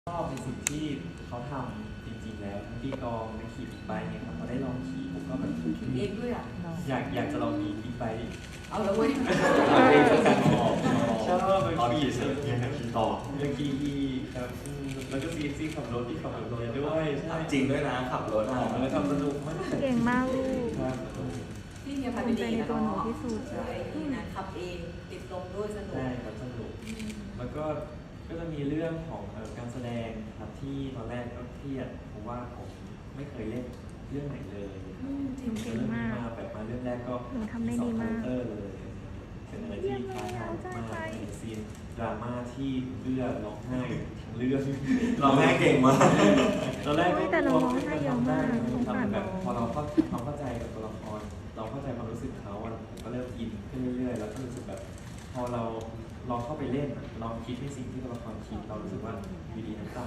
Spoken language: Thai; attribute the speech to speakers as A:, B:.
A: ชอบในสิ่งที่เขาทำจริงๆแล้วทั้งตีกลองนักขี่บิ๊กไบค์เนี่ยครับพอได้ลองขี่ผมก็แบบ
B: ขี่เองด้วยอ่ะ
A: อยากจะลองมีบิ๊กไบค์
B: เอาแล้วเว้ย
A: ชอบไป
C: ตอน
A: ขี่
C: ขี่เสร็จยังขี่ต่อ
A: อยากขี่อีกครับแล้วก็ซีขับรถที่ขับรถด้วยใช่
C: จริงด้วยนะขับรถอ่ะ
A: แล้วทำสนุกมาก
D: เก่งมากลูก
A: ครับ
B: พี่เมียพา
D: ภู
B: ไป
D: มิใจ
B: ดี
D: ใน
B: นะ
D: ตัวหนู
B: เนาะ
D: ที่สุด
B: ใช่นี่นะขับเองติดลมด้วยสนุก
A: ใช่ครับสนุกแล้วก็จะมีเรื่องของการแสดงครับที่ตอนแรกก็เครียดเพราะว่าผมไม่เคยเล่นเรื่องไหนเลย
B: จริง
D: เก่
A: เรื่อง
D: ง
A: นี้
D: มาก
A: มาแบบมาเรื่องแรกก็
D: หนูทำได้ดีมาก
A: 2 คาแรคเตอร์เลยเป็นอะไรที่ท้าทายมากในซีนดราม่าที่เลือดร้องไห้ทั้งเรื่อง
C: เราแม่เก่งมาก
A: ตอนแรกก็
D: แต่เราร้องไห้เยอะมากสงสาร
A: ทำแบบ
D: น้อง
A: พอเราความเข้าใจกับตัวละครเราเข้าใจความรู้สึกเขาอะผมก็เริ่มอินขึ้นเรื่อยๆแล้วก็รู้สึกแบบพอเราลองเข้าไปเล่นลองคิดในสิ่งที่ตัวละครคิดเรารู้สึกว่าอยู่ดีน้ำตา